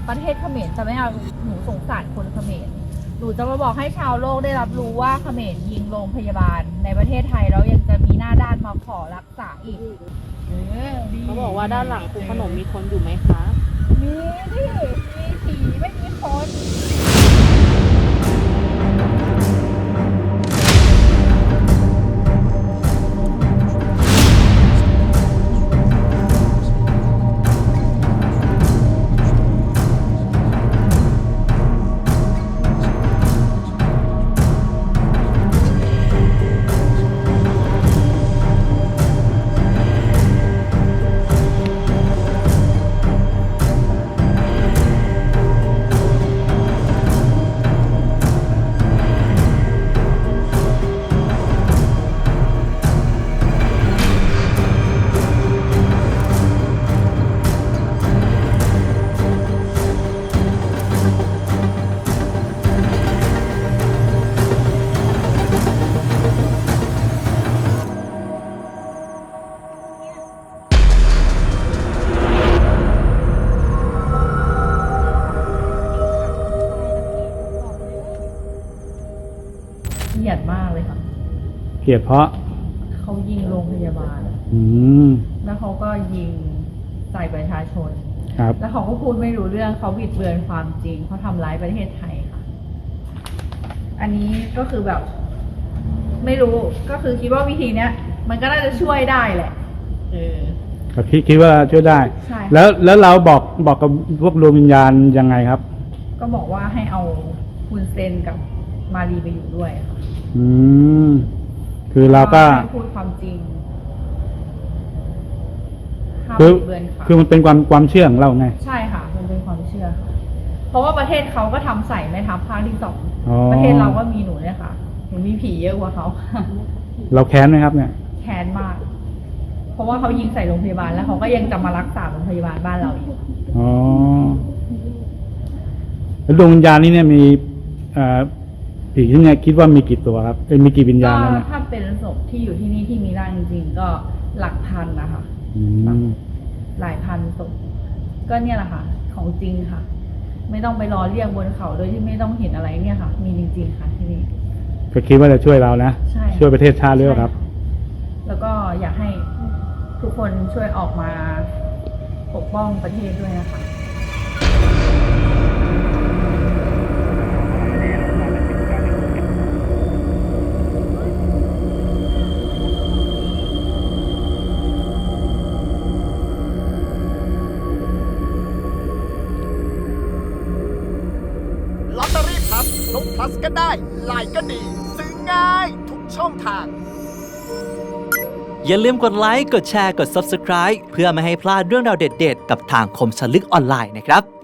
ประเทศเขมรจะไม่เอาหนูสงสารคนเขมรหนูจะมาบอกให้ชาวโลกได้รับรู้ว่าเขมรยิงโรงพยาบาลในประเทศไทยแล้วยังจะมีหน้าด้านมาขอรักษาอีกเขาบอกว่าด้านหลังคุณขนมมีคนอยู่ไหมคะมีดิมีผีไม่มีคน เกลียดมากเลยค่ะเกลียดเพราะเขายิงโรงพยาบาลอืมแล้วเขาก็ยิงใส่ประชาชนครับแล้วเขาก็พูดไม่รู้เรื่องเขาบิดเบือนความจริงเขาทำร้ายประเทศไทยค่ะ อันนี้ก็คือแบบ ไม่รู้ก็คือคิดว่าวิธีเนี้ย มันก็น่าจะช่วยได้แหละก็คิดว่าช่วยได้ใช่แล้วเราบอกกับพวกดวงวิญญาณยังไงครับก็บอกว่าให้เอาคุณเซนกับมารีไปอยู่ด้วยค่ะอืม คือเราก็ให้พูดความจริงห้ามคือบิดเบือนค่ะคือมันเป็นความเชื่อของเราไงใช่ค่ะ มันเป็นความเชื่อค่ะ เพราะว่าประเทศเขาก็ทำใส่แม่ทัพภาคที่สองอ๋อประเทศเราก็มีหนูเนี่ยค่ะ หนูมีผีเยอะกว่าเขาเราแค้นไหมครับ เนี่ยแค้นมาก เพราะว่าเขายิงใส่โรงพยาบาลแล้วเขาก็ยังจะมารักษาโรงพยาบาลบ้านเราอีกอ๋อ แล้วดวงวิญญาณนี้เนี่ยมีผีที่เนี่ยคิดว่ามีกี่ตัวครับมีกี่วิญญาก็ณแล้วเนี่ยถ้าเป็นศพที่อยู่ที่นี่ที่มีร่างจริงๆก็หลักพันนะคะอืมหลายพันศพก็เนี่ยแหละค่ะ ของจริงค่ะ ไม่ต้องไปรอเรียกบนเขาโดยที่ไม่ต้องเห็นอะไรเนี่ยค่ะ มีจริงๆค่ะที่นี่ก็คิดว่าจะช่วยเรานะใช่ช่วยประเทศชาติด้วยครับแล้วก็อยากให้ทุกคนช่วยออกมาปกป้องประเทศด้วยนะคะลอตเตอรี่พลัสลงพลัสก็ได้ไลน์ก็ดี ซื้อง่ายทุกช่องทางอย่าลืมกดไลค์ กดแชร์ กด Subscribe เพื่อไม่ให้พลาดเรื่องราวเด็ดๆ กับทางคมสนลึกออนไลน์นะครับ